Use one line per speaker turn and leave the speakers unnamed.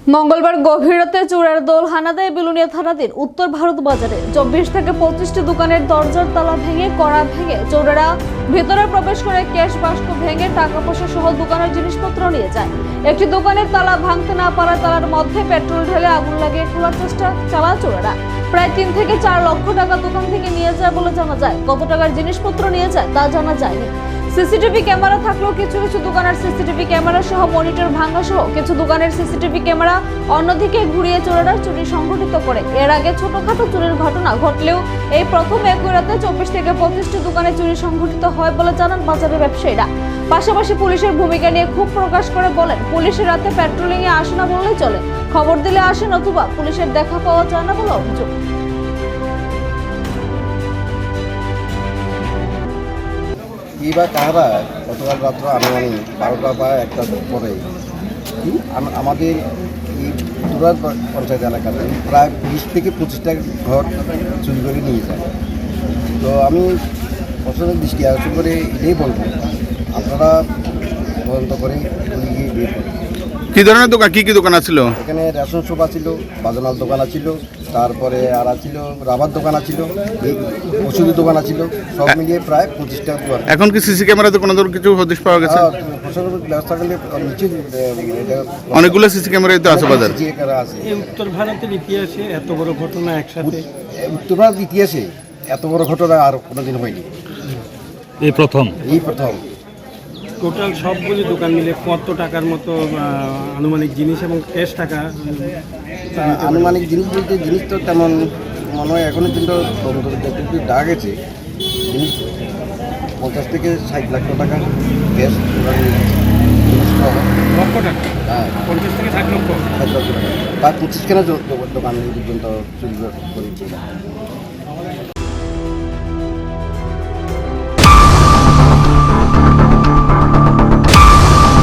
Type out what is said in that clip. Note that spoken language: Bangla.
মঙ্গলবার গভীর রাতে চোরের দল হানা দেয় বিলুনিয়া থানাধীন উত্তর ভারত বাজারে 24 থেকে 25টি দোকানের দরজার তালা ভেঙে কড়া ভেঙে চোরেরা ভেতরে প্রবেশ করে ক্যাশ বাক্স ভেঙে টাকা পয়সা সহ দোকানের জিনিসপত্র নিয়ে যায়। একটি দোকানের তালা ভাঙতে না পারায় তালার মধ্যে পেট্রোল ঢেলে আগুন লাগিয়ে খোলার চেষ্টা চালায় চোরেরা। প্রায় 3 থেকে 4 লক্ষ টাকা দোকান থেকে নিয়ে যায় বলে জানা যায়। কত টাকার জিনিসপত্র নিয়ে যায় তা জানা যায়নি। সিসিটিভি ক্যামেরা থাকলেও কিছু কিছু দোকানের সিসিটিভি ক্যামেরা সহ মনিটর ভাঙা সহ কিছু দোকানের সিসিটিভি ক্যামেরা অন্যদিকে ঘুরিয়ে চোরেরা চুরি সংঘটিত করে। এর আগে ছোটখাটো চুরির ঘটনা ঘটলেও এই প্রথম একই রাতে 24 থেকে 25টি দোকানে চুরি সংঘটিত হয় বলে জানান বাজারের ব্যবসায়ীরা। পাশাপাশি পুলিশের ভূমিকা নিয়ে ক্ষোভ প্রকাশ করে বলেন, পুলিশের রাতে পেট্রোলিং এ আসে না বললেই চলে, খবর দিলে আসেন অথবা পুলিশের দেখা পাওয়া যায় না বলে অভিযোগ।
এইবার কারা গতকাল রাত্র আনুমানিক 12টা বা 1টার পরে আমাদের এই তুরার পঞ্চায়েত এলাকাতে প্রায় 20 থেকে 25টা ঘর চুরি করে নিয়ে যায়। তো আমি প্রশাসনের দৃষ্টি আকর্ষণ করে এটাই বলবো, আপনারা তদন্ত করে গিয়ে বের করুন।
কি ধরনের দোকান, কি কি দোকান আছিল?
এখানে রেশন শপ ছিল, বাজনাল দোকান ছিল, তারপরে আর ছিল রাবার দোকান ছিল, ওষুধের দোকান ছিল, সব মিলিয়ে প্রায় 25টা দোকান।
এখন কি সিসি ক্যামেরাতে কোনো ধরনের কিছু হদিশ পাওয়া গেছে?
প্রশাসনের ব্যবস্থা করলে নিচে
অনেকগুলো সিসি ক্যামেরাই তো আছে বাজার।
এই উত্তর ভারতের ইতিহাসে এত বড় ঘটনা একসাথে,
উত্তর ভারত ইতিহাসে এত বড় ঘটনা আর কোনোদিন হয়নি, এই প্রথম।
টোটাল সবগুলি দোকান মিলে কত টাকার মতো আনুমানিক জিনিস এবং ক্যাশ টাকা?
আনুমানিক জিনিস বলতে জিনিস তো তেমন মনে হয় এখনো কিন্তু যতটুকু ডাক গেছে জিনিস 50 থেকে 60 লাখ টাকা ক্যাশ
লক্ষ টাকা?
হ্যাঁ,
50 থেকে 60 লক্ষ।
60 লক্ষ টাকা, প্রায় 25খানা দোকান পর্যন্ত চুরি করেছে।